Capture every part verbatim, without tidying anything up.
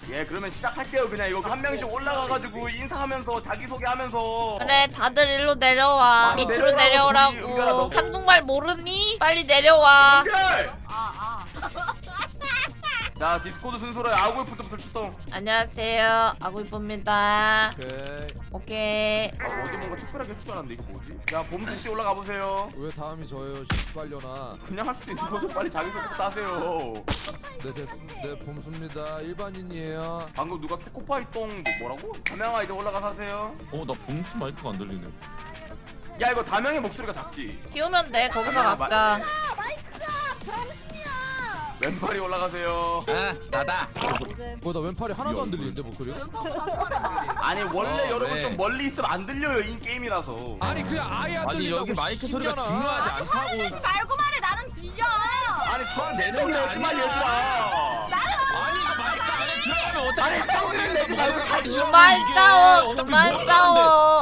예, 그러면 시작할게요. 그냥 이거 한 명씩 올라가가지고 인사하면서 자기소개하면서. 그래 다들 일로 내려와. 아, 밑으로 내려와, 우리 은별아, 내려오라고. 너. 한국말 모르니? 빨리 내려와. 은별! 아, 아. 자, 디스코드 순서로 아구이프트부터 출동. 안녕하세요. 아구이뽀입니다. 오케이. 오케이. 아, 어디 뭔가 특별하게 해줄 줄 알았는데 이거 뭐지? 자, 봄수씨 올라가 보세요. 왜 다음이 저예요? 빨려나. 그냥 할 수도 있는 거죠. 빨리 자기소개부터 하세요. 네 됐습니다. 네 봄수입니다. 일반인이에요. 방금 누가 초코파이 똥 뭐, 뭐라고? 다명아 이제 올라가서 하세요. 어, 나 봉수 마이크가 안 들리네. 야, 이거 다명의 목소리가 작지? 키우면 돼. 거기서 아, 각자. 아, 마이크가 병신이야. 왼팔이 올라가세요. 아, 나다. 뭐 나 왼팔이 하나도 안 들리는데 목소리가? 아니 원래 어, 여러분 네. 좀 멀리 있으면 안 들려요 이 게임이라서. 아니 그냥 아예 안 아니 들린다고. 여기 마이크 소리가 신기하나? 중요하지 않다고. 화내지 말고 말해. 나는 들려. 아니 성 내는 게 하지 마 아니야. 얘들아. 아니 이거 마이크 안에 들어가면 어차피 아니 성질 내지 말고 자기 그만 싸워. 그만 싸워.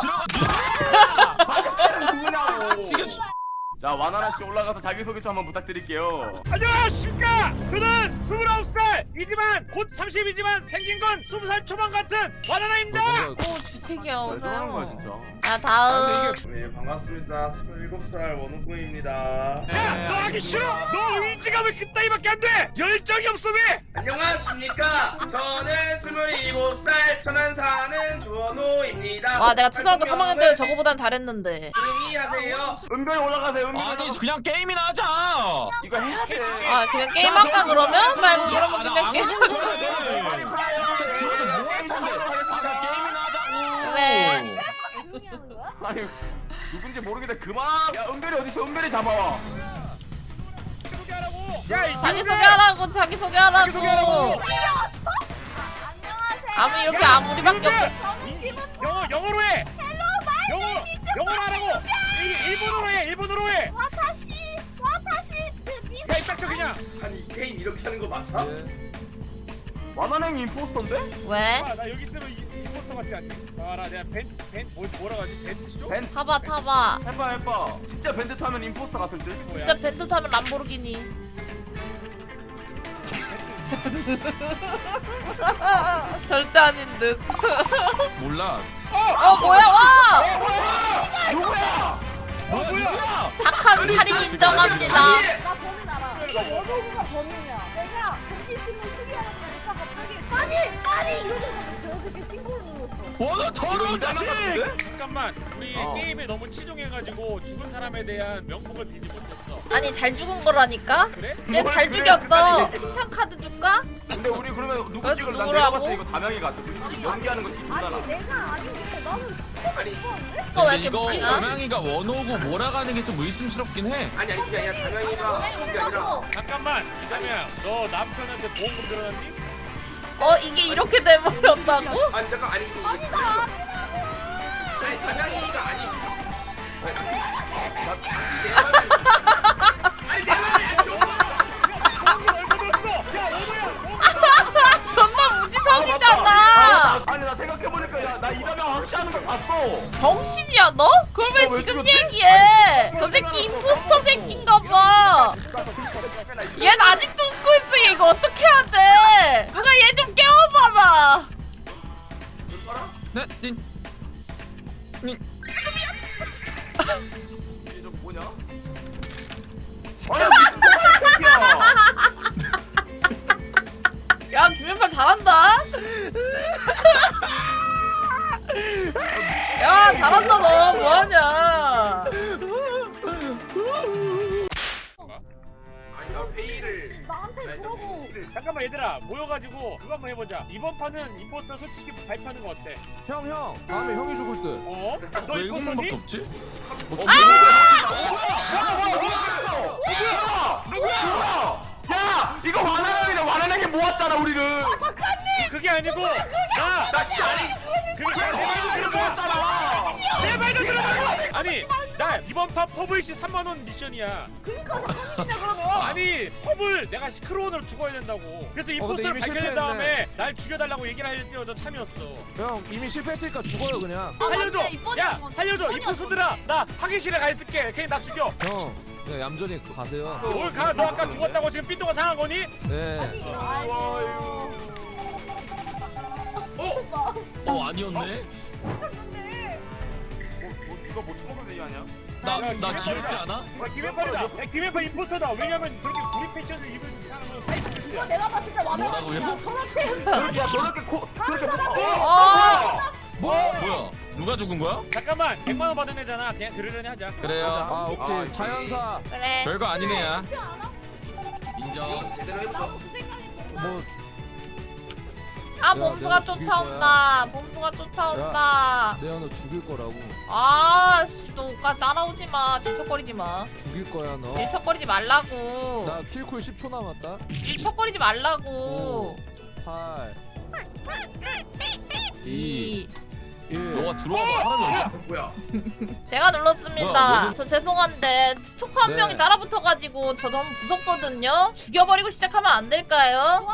박찬은 누구냐고. 지금 자, 와나나 씨 올라가서 자기 소개 좀 한번 부탁드릴게요. 안녕하십니까. 저는 스물아홉 살이지만 곧 삼십이지만 생긴 건 스무 살 초반 같은 와나나입니다. 오 주책이야 왜 저러는 거야 오늘. 진짜? 자 다음. 네, 반갑습니다. 스물일곱 살 원우구입니다. 야, 너 하기 싫어? 너 의지가 왜 그따위밖에 안 돼? 열정이 없어 왜? 안녕하십니까. 저는 스물일곱 살 천안 사는 주원호입니다. 와 내가 초등학교 삼 학년 때 저거보단 잘했는데. 조용히 하세요. 은별이 올라가세요. 은별이 아니 올라가서. 그냥 게임이나 하자. 이거 해야 돼. 아 그냥 게임할까 그러면? 말 그러면 그냥 안 게임. 가도 돼. 빨리 봐요. 들어서 뭐 게임 하는데? 시작하도록 아, 하겠습니다. 게임이나 하자고. 그래. 조용히 하는 거야? 아니 누군지 모르겠는데 그만. 야, 은별이 어디 있어? 은별이 잡아와. 소개하라고. 야, 이 자기 친구들! 소개하라고 자기 소개하라고. 소개하라고. 안녕하세요. 아무 이렇게 아무리밖에 없어. 저는 김은 영어 영어로 해. 영어 영어로 하라고. 일, 일본어로 해. 일본어로 해. 와타시 와타시 미 야, 이딱 저 그냥. 아니 이 게임 이렇게 하는 거 맞아? 예. 와나냉이 임포스터인데? 왜? 아, 나 여기 있으면 이, 이 포스터 같지 않니? 봐라, 내가 벤벤 뭐, 뭐라 하지? 벤치죠? 벤 타봐 타봐. 해봐 해봐. 진짜 밴드 타면 임포스터 같을 듯. 진짜 벤트 타면 람보르기니. 절대 아닌 듯. 몰라. 어 뭐야 와! 누구야? 뭐야 누구야? 착한 살인 인정합니다. 나 범인 알아. 이거 원호구가 범인이야. 내가 전기신문 수리하러 가니까 갑자기 아니 아니 이러더니 저렇게 신고를 눌렀어. 원호 더러운 자식. 잠깐만. 우리 어. 게임에 너무 치중해가지고 죽은 사람에 대한 명복을 빌지 못했어. 아니 잘 죽은 거라니까? 그래? 쟤 뭘 잘 그래, 죽였어. 그래. 칭찬 카드 줄까? 근데 우리 그러면 누구 그래서 찍을? 난 누구라고? 내가 봤을 때 이거 다명이 같아. 솔직히 연기하는 거 뒤졌잖아. 아니 내가 아닌 게 나는 시체가 아니. 무서운데? 이거 왜 근데 이렇게 이거 웃기나? 담양이가 원호고 몰아가는 게 좀 의심스럽긴 해. 아니 아니 그게 아니라 다명이가 그게 아니라 잠깐만. 이담이야, 너 남편한테 보험금 들어놨니? 어 이게 이렇게 돼버렸다고? 아니 잠깐 아니 이거 아니 아니 다명이가 아니 존나 무지성이잖아. 아, 아니 나 생각해보니까 야, 나 이다명 확실하는 걸 봤어. 병신이야 너? 그걸 왜 어, 왜 지금 죽였지? 얘기해? 저 새끼 임포스터 새끼인가 봐. 얘는 아직도 웃고 있어. 얘 이거 어떻게 해야 돼? 누가 얘 좀 깨워봐라. 네, 닌, 닌. 이게 좀 뭐냐? 아니 미친 새끼야. 야 김연팔 잘한다. 야 잘한다 너 뭐하냐? 아니 나 회의를 나한테 아니, 나 그러고 회의를 잠깐만 얘들아, 모여가지고 그거 한번 해보자. 이번 판은 임포스터 솔직히 발표하는 거 어때? 형 형. 다음에 형이 죽을 듯. 어? 너 외국인밖에 임포스터니? 없지? 누구야? 야, 이거 와나냉이네. 와나냉이 모았잖아 우리를. 그게 아니고 나! 나 진짜 아니. 그게 와나냉이 모았잖아. 내 말도 들어봐! 아니 나 이번 판 퍼블리시 삼만 원 미션이야. 그니까 사건이냐 그러면. 아니 퍼블 내가 크로원으로 죽어야 된다고. 그래서 임포스터를 이미 발견한 실패했네. 다음에 날 죽여달라고 얘기를 할 때마다 참이었어. 형 이미 실패했으니까 죽어요 그냥. 살려줘! 맞네, 이번이 야 아니고 살려줘! 이번이었어. 임포스터들아 나 확인실에 가 있을게. 그냥 나 죽여. 형 그냥 얌전히 가세요. 뭘 가? 너 아까 죽었다고 지금 삐뚤가 상한 거니? 네. 아이고. 어 아니었네. 뭐 누가 뭐 처먹을 얘기하냐? 나나 귀엽지 않아? 야, 김해팔이다. 야, 김해팔 임포스터다. 왜냐면 그렇게 우리 패션을 입은 사람은 사이코패스야. 내가 봤을 때 와봐. 뭐라고요? 저렇게 저렇게 야 저렇게 코 저렇게 어. 뭐 뭐야? 누가 죽은 거야? 잠깐만, 백만 원 받은 애잖아. 그냥 그러려니 하자. 그래요. 아 오케이 아, 자연사 그래. 별거 아니네야. 인정. 제대로 해보자. 뭐 아 야, 봄수가 내가 죽일 쫓아온다. 봄수가 쫓아온다. 내가 너 죽일 거라고 아씨 너 오빠 따라오지 마. 질척거리지 마. 죽일 거야 너. 질척거리지 말라고. 나 킬쿨 십 초 남았다. 질척거리지 말라고. 팔 이. 일 너가 들어와봐 사람이 없어. 뭐야? 제가 눌렀습니다. 뭐야, 뭐지? 저 죄송한데 스토커 한 네. 명이 따라붙어가지고 저 너무 무섭거든요. 죽여버리고 시작하면 안 될까요?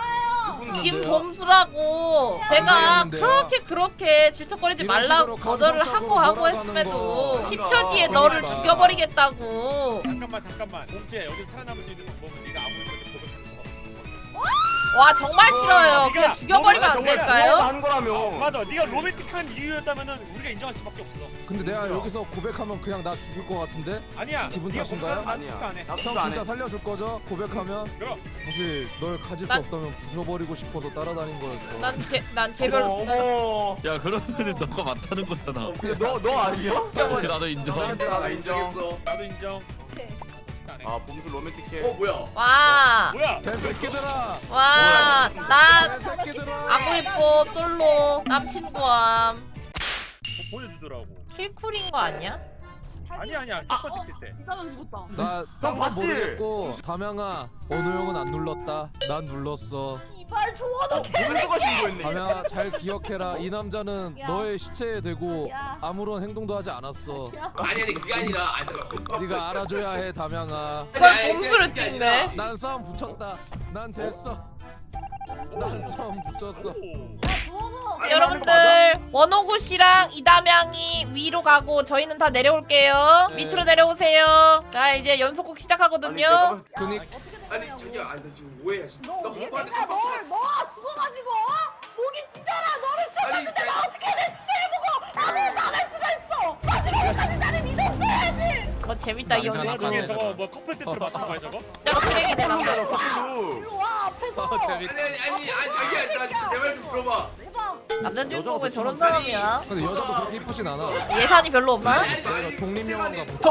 김봄수라고 제가 안 되는데요. 그렇게 그렇게 질척거리지 이런 말라고 식으로 거절을 감성적으로 하고 하고 몰아가는 했음에도 거. 십 초 뒤에 너를 그러니까. 죽여버리겠다고. 잠깐만, 잠깐만. 봄수야, 여기 살아남을 수 있는 방법은 네가 아무리 그래도 고백하는 거. 와 정말 싫어요. 네가 그냥 죽여버리면 안 정말 될까요? 하는 거라며. 맞아, 네가 로맨틱한 이유였다면은 우리가 인정할 수밖에 없어. 근데 내가 여기서 고백하면 그냥 나 죽일 거 같은데? 아니야. 기분 네가 탓인가요? 고백하면 아니야. 안 해. 나도 형 안 진짜 해. 살려줄 거죠? 고백하면? 그럼. 사실 널 가질 수 난- 없다면 부숴버리고 싶어서 따라다닌 거였어. 난개난 개별. 어머. 야 그러면은 너가 맞다는 거잖아. 너너 아니야? 오케이 나도 인정. 나 인정했어. 나도 인정. 안 해. 아 봄수 로맨틱해. 어 뭐야? 와. 뭐야? 개새끼들아! 와. 나 개새끼들아! 아구 이뻐 솔로 남친구함. 뭐 보여주더라고. 킬쿨인 거 아니야? 아니 아니야. 첫 번째 때. 이사람 죽었다. 나 너 딴 건 봤지? 모르겠고 담양아 어느 형은 안 눌렀다. 난 눌렀어. 이발 좋아도 봄수가 신고했네. 담양아 잘 기억해라. 이 남자는 야. 너의 시체에 대고 야. 아무런 행동도 하지 않았어. 아니 아니 그게 아니라 아니 잠깐 네가 알아줘야 해 담양아. 그걸 봄수를 찍네. 난 싸움 붙였다. 난 됐어. 난 싸움 붙였어. 누워서. 아니, 여러분들 원호구 씨랑 이담양이 위로 가고 저희는 다 내려올게요. 네. 밑으로 내려오세요. 자 이제 연속곡 시작하거든요. 그니 어떻게 아니 되냐고. 자기야 아니 나 지금 오해야 진짜 너 나 어떻게 공부하는데 내가 깜빡 널 너가 죽어가지고 어? 목이 찢어라 너를 찾았는데 나 어떻게 내 시체를 보고 나를 나갈 수가 있어. 마지막까지 나를 믿었어야지. 거 재밌다 이 남자 연기. 그 중에 나가네. 저거 뭐 커플 세트로 맞춘 거야 저거? 저거 쓰레기 되나 봐. 일로 와 앞에서. 어, 재밌- 아니 아니 아니 아니 자기야 나 진짜 내 말 좀 들어봐 해봐. 남자 주인공은 왜 저런 사람이야? 근데 여자도 그렇게 이쁘진 않아. 예산이 별로 없나? 아니 내가 아니 독립영화인가 보다.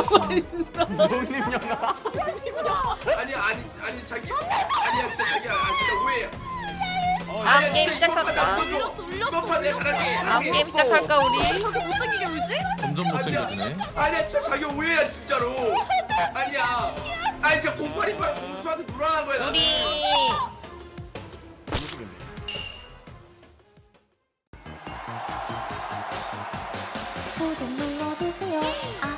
독립영화. 아니 아니 아니 자기 아니야 진짜 자기야 아 진짜 오해야 어, 아, 아니야, 게임 진짜 이번 판 시작할까? 나 울렸어 울렸어 내가 잘할게 아 게임 시작할까 우리? 저렇게 못생기게 울지? 점점 못생겨지네. 아니야 진짜 자기 오해야 진짜로 아니야 아니 진짜 공팔이팔 공수한테 불안한 거야 나는. 우리 구독 눌러주세요. 아.